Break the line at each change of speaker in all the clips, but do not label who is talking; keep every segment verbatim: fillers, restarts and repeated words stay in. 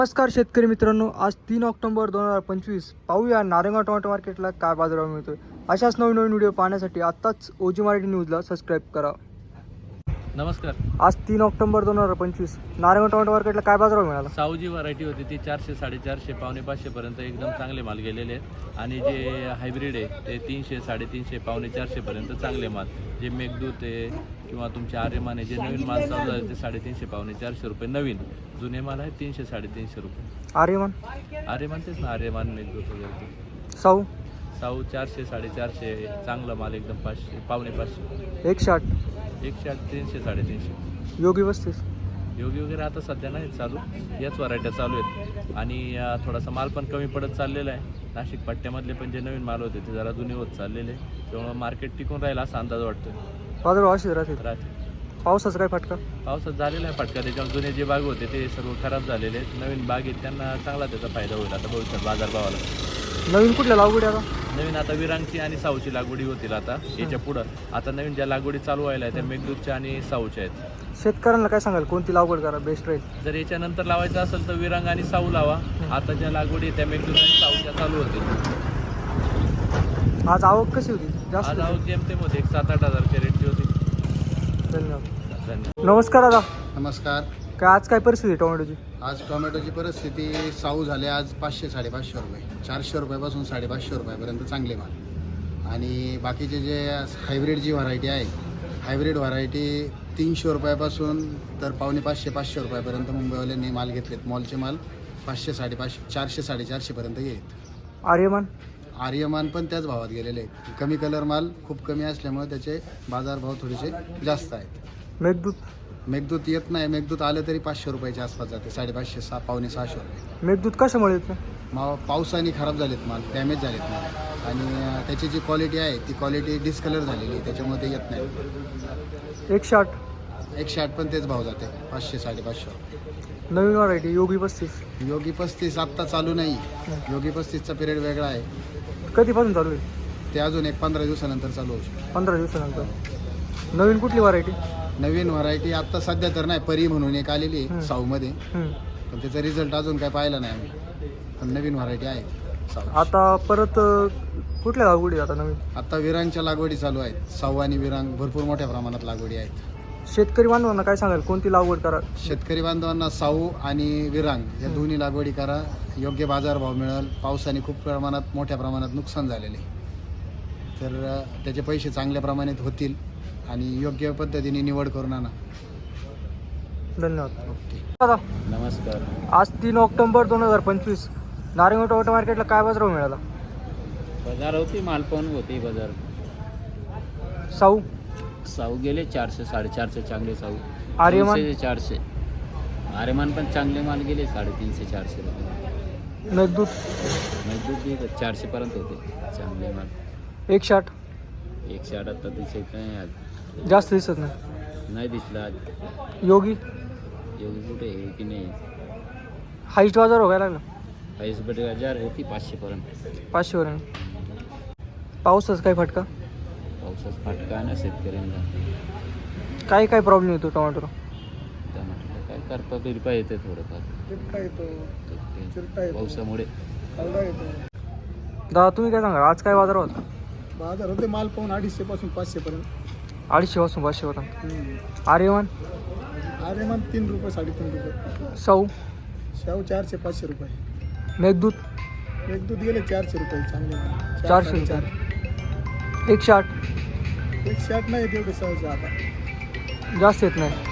नमस्कार शेतकरी मित्रांनो, आज तीन ऑक्टोबर दोन हजार पंचवीस पाहूया नारायणगाव टोमॅटो मार्केटला काय बाजारभाव मिळतोय। अशाच नवीन नवीन व्हिडिओ पाहण्यासाठी आत्ताच ओजी मराठी न्यूजला सबस्क्राईब करा।
नमस्कार।
आज तीन ऑक्टोबर दोन हजार पंचवीस नारायणगाव टोमॅटो मार्केटला काय बाजारभाव मिळाला?
साऊजी व्हरायटी होती ती चारशे साडेचारशे पावणे पाचशे पर्यंत एकदम चांगले माल गेलेले आहेत आणि जे हायब्रिड आहे ते तीनशे साडेतीनशे पावणे चारशे पर्यंत चांगले माल, जे मेघदूत आहे किंवा तुमचे आर्यमान आहे, जे नवीन माल चालू झाले ते साडेतीनशे पावणे चारशे रुपये नवीन, जुने माल आहे तीनशे साडेतीनशे रुपये।
आर्यमान
आर्यमान तेच ना, आर्यमान मेघदूत वगैरे।
साऊ
साऊ चारशे साडेचारशे चांगला माल एकदम पाचशे पावणे पाचशे
एकशे आठ
एकशे आठ तीनशे साडेतीनशे।
योगी पस्तीस
योगी वगैरे आता सध्या नाही चालू, याच व्हरायट्या चालू आहेत आणि अं, थोडासा माल पण कमी पडत चाललेला आहे। नाशिक पट्ट्यामधले पण जे नवीन माल होते ते जरा जुने होत चाललेले, त्यामुळे मार्केट टिकून राहील असा अंदाज वाटतोय।
बाजारभाव असेच राहतील।
राहते
पावसाचा काय फटका?
पावसात झालेला आहे फटका, त्याच्यावर जुने जे बाग होते ते सर्व खराब झालेले आहेत। नवीन बाग आहेत त्यांना चांगला त्याचा फायदा होईल आता भविष्यात बाजारभावाला।
नवीन कुठल्या लागवडी आता?
नवीन आता विरांगची आणि साऊची लागवडी होतील आता याच्या पुढं। आता नवीन ज्या लागवडी चालू व्हायला आहे त्या मेघदूतच्या आणि साऊच्या आहेत।
शेतकऱ्यांना काय सांगाल, कोणती लागवड करा बेस्ट राहील?
जर याच्यानंतर लावायचं असेल तर विरांग आणि साऊ लावा। आता ज्या लागवडी आहेत त्या मेघदूत आणि साऊच्या चालू होतील।
आज आवक कशी होती? जास्त
आज आवक जेमतेमध्ये एक सात आठ हजारच्या रेटची होती।
धन्यवाद।
धन्यवाद।
नमस्कार दादा,
नमस्कार।
काय आज काय परिस्थिती आहे टोमॅटोची?
आज टोमॅटोची परिस्थिती साऊ झाले आज पाचशे साडेपाचशे रुपये, चारशे रुपयापासून साडेपाचशे रुपयापर्यंत चांगले माल। आणि बाकीचे जे हायब्रिड जी व्हरायटी आहे, हायब्रिड व्हरायटी तीनशे रुपयापासून तर पावणे पाचशे पाचशे रुपयापर्यंत मुंबईवाल्यांनी माल घेतलेत। मॉलचे माल पाचशे साडेपाचशे चारशे साडेचारशेपर्यंत येत।
आर्यमान
आर्यमान पण त्याच भावात गेलेले आहेत। कमी कलर माल खूप कमी असल्यामुळे त्याचे बाजारभाव थोडेसे जास्त आहेत।
मेघदूत
मेघदूत येत नाही, मेघदूत आलं तरी पाचशे रुपयाच्या आसपास जाते, साडेपाचशे सहा पावणे सहाशे रुपये।
मेघदूत कशामुळे येत नाही?
मा पावसाने खराब झालेत माल, डॅमेज झालेत माल आणि अं, त्याची जी क्वालिटी आहे ती क्वालिटी डिस्कलर झालेली आहे, त्याच्यामुळे ते येत नाही।
एकशे आठ
एकशे आठ पण तेच भाव जाते, पाचशे साडेपाचशे रुपये।
नवीन व्हरायटी योगी पस्तीस
योगी पस्तीस आत्ता चालू नाही, योगी पस्तीसचा पिरियड वेगळा आहे,
कधीपासून चालू आहे?
ते अजून एक पंधरा दिवसानंतर चालू होऊ शकतं।
पंधरा दिवसानंतर। नवीन कुठली व्हरायटी?
नवीन व्हरायटी आत्ता सध्या तर नाही, परी म्हणून एक आलेली आहे साऊमध्ये, पण त्याचा रिझल्ट अजून काय पाहिला नाही आम्ही, पण नवीन व्हरायटी आहे साऊ।
आता परत अ, कुठल्या लागवडी आता नवीन?
आता विरांगच्या लागवडी चालू आहेत, साऊ आणि विरांग भरपूर मोठ्या प्रमाणात लागवडी आहेत।
शेतकरी बांधवांना काय सांगाल, कोणती लागवड करा?
शेतकरी बांधवांना साऊ आणि विरांग या दोन्ही लागवडी करा, योग्य बाजारभाव मिळेल। पावसाने खूप प्रमाणात मोठ्या प्रमाणात नुकसान झालेले, तर अ, त्याचे पैसे चांगल्या प्रमाणात होतील आणि योग्य पद्धतीने निवड करून आणा।
धन्यवाद।
ओके।
दादा,
नमस्कार।
आज तीन ऑक्टोबर दोन हजार पंचवीस नारायणगाव टोमॅटो मार्केटला काय बाजारभाव मिळाला?
बाजार होती, माल पण होती बाजार।
साऊ
साऊ गेले चारशे साडेचारशे चांगले साऊ।
आर्यमान?
तीनशे ते चारशे। आर्यमान पण चांगले माल गेले साडेतीनशे चारशे रुपये।
मेघदूत
मजबूत बी चारशे पर्यंत होते चांगले माल।
एकशे आठ
एकशे आठ आता दिसत नाही आज,
जास्त दिसत नाही।
नाही दिसला आज।
योगी
एवढी कुठे आहे की नाही?
हाईस्ट बाजार व्हायला लागला,
पाचशे बटे हजार होती पाचशे पर्यंत।
पाचशे वर। पावसाचा काय फटका?
पावसाचा फटका आहे ना शेतकऱ्यांना।
काय काय प्रॉब्लेम येतो टोमॅटोला?
टमाटर काय करपा बिरपा येते थोडंफार ते पावसामुळे।
दादा तुम्ही काय सांगा, आज काय बाजार होता?
बाजार होते माल पाहून अडीचशे पासून पाचशे पर्यंत।
अडीचशे पासून पाचशे होता। आर्यमान?
आर्यमान तीन रुपये साडेतीन रुपये।
साऊ?
शाहू चारशे पाचशे रुपये।
मेघदूत?
मेघदूत गेले चारशे रुपये चांगले माल।
चारशे
चार
एकशे आठ
एकशे आठ नाही तेवढे सहज आता
जास्त येत नाही।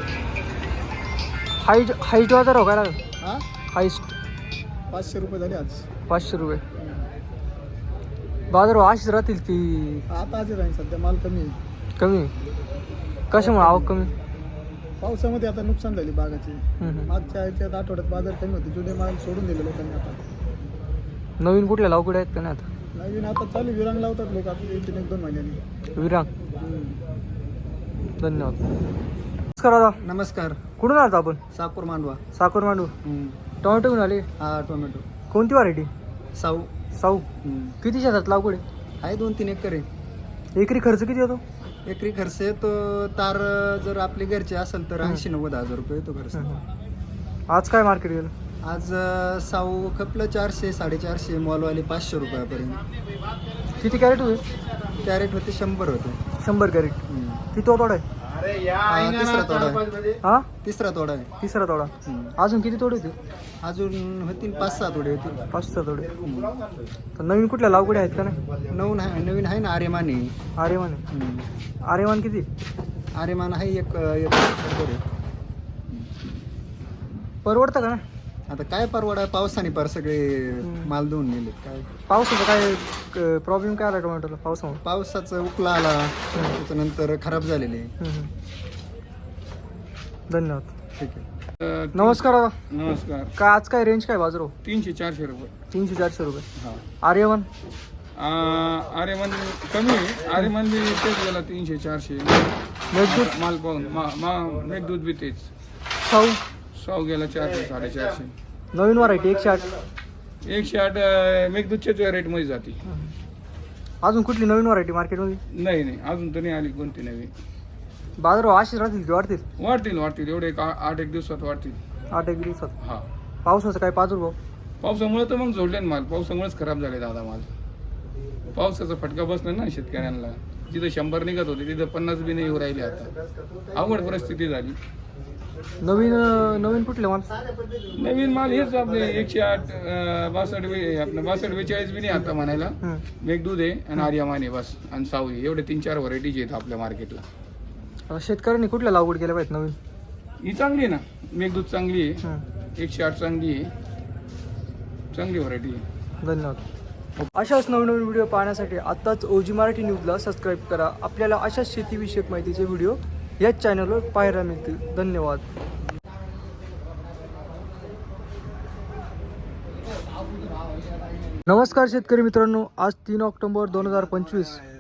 हाईट हाईट बाजार हो काय लागला?
हा
हाईस्ट
पाचशे रुपये झाले आज।
पाचशे रुपये। बाजार अशीच राहतील की
आता आज राहील, सध्या माल कमी आहे।
कमी? कशामुळे आवक कमी?
पावसामध्ये आता नुकसान झाली बागाची।
हम्म, हम्म.
मागच्या याच्यात आठवड्यात बाजार कमी होते, जुने माल सोडून दिले लोकांनी। आता
नवीन कुठल्या लागवडी आहेत का नाही आता?
नवीन आता चालू विरांग लावतात लोक आता एक एक दोन महिन्यांनी।
विरांग?
हम्म।
धन्यवाद। नमस्कार दादा,
नमस्कार।
कुठून आलात आपण?
साकूर मांडवा।
साखर मांडू। टोमॅटो घेऊन आले?
हा टोमॅटो
कोणती व्हरायटी?
साऊ।
साऊ? किती शेतात लागवड आहे?
आहे दोन तीन एकर आहे।
एकरी खर्च किती येतो?
एकरी खर्च येतो तार जर आपले घरचे असेल तर ऐंशी नव्वद हजार रुपये येतो खर्च।
आज काय मार्केट गेलं?
आज अ, साऊ खपलं चारशे साडेचारशे मॉलवाले पाचशे रुपयापर्यंत.
किती कॅरेट होते?
कॅरेट होते शंभर होते.
शंभर कॅरेट.
हम्म.
किती तोडा आहे?
हा, तिसरा तोडा आहे.
हा
तिसरा तोडा आहे.
तिसरा तोडा.
हम्म.
अजून किती तोडे होते?
अजून होतील पाच सहा तोडे होतील.
पाच सहा तोडे. तर नवीन कुठल्या लावगडी आहेत का नाही?
नवीन आहे नवीन आहे ना आर्यमान आहे.
आर्यमान आहे.
हम्म.
आर्यमान किती?
आर्यमान आहे एक एक शंभर आहे.
परवडतं का ना?
आता काय परवडा पावसाने पर सगळे
हम्म.
माल धुवून गेले. काय
पावसाचा काय प्रॉब्लेम काय आला टोमॅटोला पावसामुळे?
पावसाचा उकला आला त्याच्यानंतर खराब झालेले.
हम्म, हम्म. धन्यवाद.
ठीक आहे.
नमस्कार दादा.
नमस्कार.
काय आज काय रेंज काय बाजार हो?
तीनशे चारशे रुपये.
तीनशे चारशे रुपये.
हा.
आर्यमान
आर्यमान कमी आहे. आर्यमान बी तेच गेला तीनशे चारशे.
मेघदूत
माल पाहून मा मा मेघदूत बी तेच.
साऊ
सौ गेला चारशे साडेचारशे.
नवीन व्हरायटी एकशे आठ.
एकशे आठ अं, मेघदूतच्याच रेटमध्ये जाते.
अजून कुठली नवीन व्हरायटी मार्केटमध्ये?
नाही नाही अजून तर नाही आली कोणती नवी.
बाजार अशीच राहतील की वाढतील?
वाढतील वाढतील एवढे एक आ- आठ एक दिवसात वाढतील.
आठ एक दिवसात.
हा.
पावसाचा काय प्रादुर्भाव?
पावसामुळे तर मग जोडले ना माल. पावसामुळेच खराब झाले दादा माल. पावसाचा फटका बसला ना शेतकऱ्यांना. जिथं शंभर निघत होते तिथं पन्नास बी नाही येऊ राहिले. आता अवघड परिस्थिती झाली.
नवीन अं, नवीन कुठले माल?
नवीन माल हेच आपले एकशे आठ अं, बासष्ट बे आपलं बासष्ट बेचाळीस बी नाही आता म्हणायला.
हम्म.
मेघदूध आहे आणि आर्यमान आहे बस आणि साऊ आहे. एवढे तीन चार व्हरायटीज आहेत आपल्या मार्केटला.
आता शेतकऱ्यांनी कुठल्या लागवड केल्या पाहिजेत नवीन?
ही चांगली आहे ना. मेघदूध चांगली आहे.
हम्म.
एकशे आठ चांगली आहे. चांगली व्हरायटी आहे.
धन्यवाद. अशाच नवीन नवीन व्हिडिओ पाहण्यासाठी आत्ताच ओजी मराठी न्यूजला सबस्क्राईब करा. आपल्याला अशाच शेतीविषयक माहितीचे व्हिडिओ याच चॅनलवर पाहायला मिळतील. धन्यवाद. नमस्कार शेतकरी मित्रांनो, आज तीन ऑक्टोबर दोन हजार पंचवीस